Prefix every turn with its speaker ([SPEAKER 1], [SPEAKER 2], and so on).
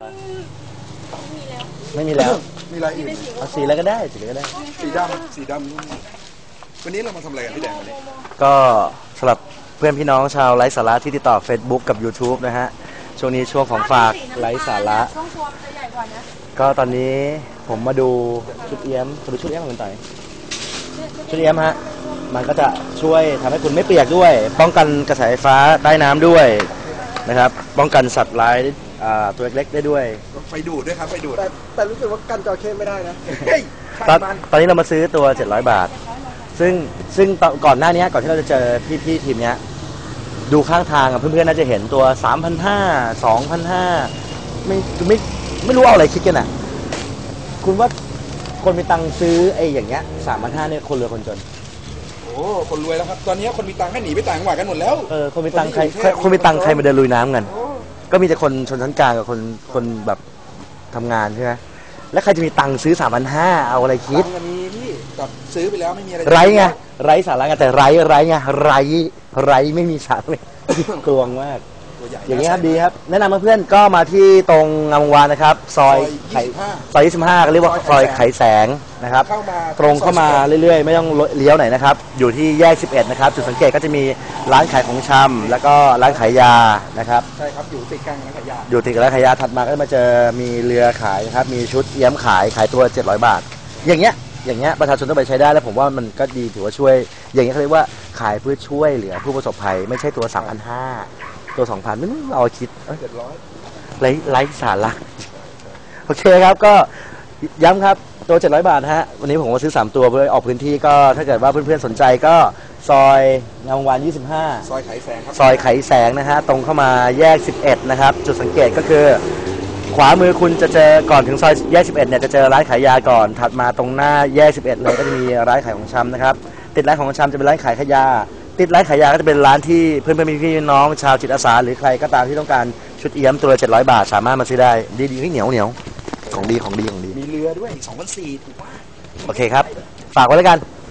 [SPEAKER 1] ไม่มีแล้ว
[SPEAKER 2] มีอะไรอื่น
[SPEAKER 1] เอาสีอะไรก็ได้สีอะไรก็ได้
[SPEAKER 2] สีดำวันนี้เรามาทำอะไรกันพี่แดงวันนี้
[SPEAKER 1] ก็สำหรับเพื่อนพี่น้องชาวไร้สาระที่ติดต่อ Facebook กับ YouTube นะฮะช่วงนี้ช่วงของฝากไร้สาระก็ตอนนี้ผมมาดูชุดเอี้ยมมาดูชุดเอี้ยมของคุณต่อยชุดเอี้ยมฮะมันก็จะช่วยทำให้คุณไม่เปียกด้วย ป้องกันกระแสไฟฟ้าใต้น้ำด้วยนะครับป้องกันสัตว์ร้ายตัวเล็กๆได้ด้วย
[SPEAKER 2] ไฟดูดด้วยครับไฟดูด
[SPEAKER 3] แต่รู้สึกว่ากันจระเข้ไม่ได้นะ
[SPEAKER 2] เฮ้ย
[SPEAKER 1] ตอนนี้เรามาซื้อตัว700 บาทซึ่งก่อนหน้านี้ก่อนที่เราจะเจอพี่ทีมเนี้ยดูข้างทางเพื่อนๆน่าจะเห็นตัว 3,500 2,500ไม่รู้เอาอะไรคิดกันอ่ะคุณว่าคนมีตังค์ซื้อไอ้อย่างเงี้ย 3,500เนี่ยคนรวยคนจน
[SPEAKER 2] โอ้คนรวยแล้วครับตอนนี้คนมีตังค์ให้หนีไปต่างจังหวัดกันหมดแล้ว
[SPEAKER 1] คนมีตังค์ใครคนมีตังค์ใครมาเดินลุยน้ำกันก็มีแต่คนชนชั้นกลางกับคนแบบทำงานใช่ไหมแล้วใครจะมีตังค์ซื้อ 3,500เอาอะไรคิด
[SPEAKER 2] ตังค์มีพี่กับซื้อไปแล้วไม่มีอะไร
[SPEAKER 1] ไร้ไงไร้สาระไงแต่ไร้ไงไร้ไม่มีสาระกลวงมาก
[SPEAKER 2] ตัวใหญ่
[SPEAKER 1] อย่างนี้ครับดีครับแนะนำเพื่อนๆก็มาที่ตรงงามวงศ์วานนะครับซอย25ก็เรียกว่าซอยไขแสงนะครับตรงเข้ามาเรื่อยๆไม่ต้องเลี้ยวไหนนะครับอยู่ที่แยก11นะครับจุดสังเกตก็จะมีร้านขายของชำแล้วก็ร้านขายยานะครับ
[SPEAKER 2] ใช่ครับอยู่ติดกลางร้านขายยา
[SPEAKER 1] อยู่ติดกับร้านขายยาถัดมาก็จะมาเจอมีเรือขายนะครับมีชุดเอี้ยมขายตัว700 บาทอย่างเงี้ยประชาชนต้องไปใช้ได้แล้วผมว่ามันก็ดีถือว่าช่วยอย่างเงี้ยเขาเรียกว่าขายเพื่อช่วยเหลือผู้ประสบภัยไม่ใช่ตัว 3,500 ตัว 2,000ไม่เราคิด
[SPEAKER 2] 700
[SPEAKER 1] ไร้สาระโอเคครับก็ย้ำครับตัว700 บาทฮะวันนี้ผมมาซื้อ3ตัวเพื่อออกพื้นที่ก็ถ้าเกิดว่าเพื่อนๆสนใจก็ซอยงามวงศ์วาน25
[SPEAKER 2] ซอยไขแสงครับ
[SPEAKER 1] ซอยไขแสงนะฮะตรงเข้ามาแยก11นะครับจุดสังเกตก็คือขวามือคุณจะเจอก่อนถึงซอยแยก11เนี่ยจะเจอร้านขายยาก่อนถัดมาตรงหน้าแยก11เลยก็จะมีร้านขายของชำนะครับติดร้านของชำจะเป็นร้านขายขายยาติดร้านขายยาก็จะเป็นร้านที่เพื่อนๆพี่น้องชาวจิตอาสาหรือใครก็ตามที่ต้องการชุดเอี้ยมตัวละ700 บาทสามารถมาซื้อได้ดีๆเหนียวของดี
[SPEAKER 2] มีเรือด้วย2,400ถูกมาก
[SPEAKER 1] โอเคครับฝากไว้แล้วกัน